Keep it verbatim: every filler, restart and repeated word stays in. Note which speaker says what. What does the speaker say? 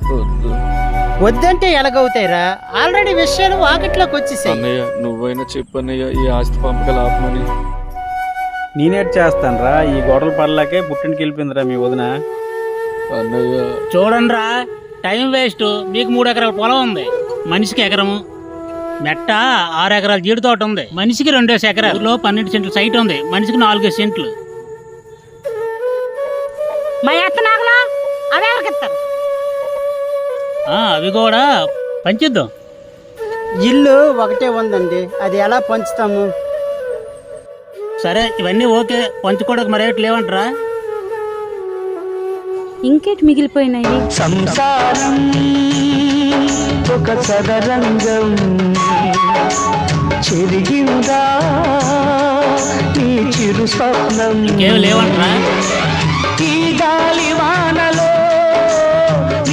Speaker 1: వద్దు
Speaker 2: వద్దంటే ఎలాగవుతాయిరా? ఆల్రెడీ విషయాలు వాకిట్లోకి వచ్చేసాయి.
Speaker 1: అన్నయ్య నువ్వైనా చెప్పన్నయ్య ఈ ఆస్తి పంపకాలు ఆపమని.
Speaker 3: నేనేట్ చేస్తాను రా, ఈ గొడవలు పడలేకే పుట్టింటికి వెళ్ళిపోయిందిరా మీ వదిన.
Speaker 1: అన్నయ్య
Speaker 4: చూడండి రా, టైం వేస్ట్. మీకు మూడు ఎకరాల పొలం ఉంది, మనిషికి ఎకరము. మెట్ట ఆరు ఎకరాల జీడి తోట ఉంది, మనిషికి రెండేసి ఎకరాలు. ఊర్లో పన్నెండు సెంట్లు సైట్ ఉంది, మనిషికి నాలుగేసి సెంట్లు.
Speaker 5: మా ఎత్త నాగలా అవి ఎవరికిస్తారు?
Speaker 4: ఆ, అవి కూడా పంచిద్దాం.
Speaker 2: ఇల్లు ఒకటే ఉందండి, అది ఎలా పంచుతాము?
Speaker 4: సరే ఇవన్నీ ఓకే, పంచుకోవడానికి మరేటి లేవంటరా?
Speaker 5: ఇంకేటి మిగిలిపోయినాయి?
Speaker 6: సంసారం ఒక చదరంగం చెరిగిందా నీ చిరు స్వప్నం.
Speaker 4: ఇంకేమి లేవంటరా?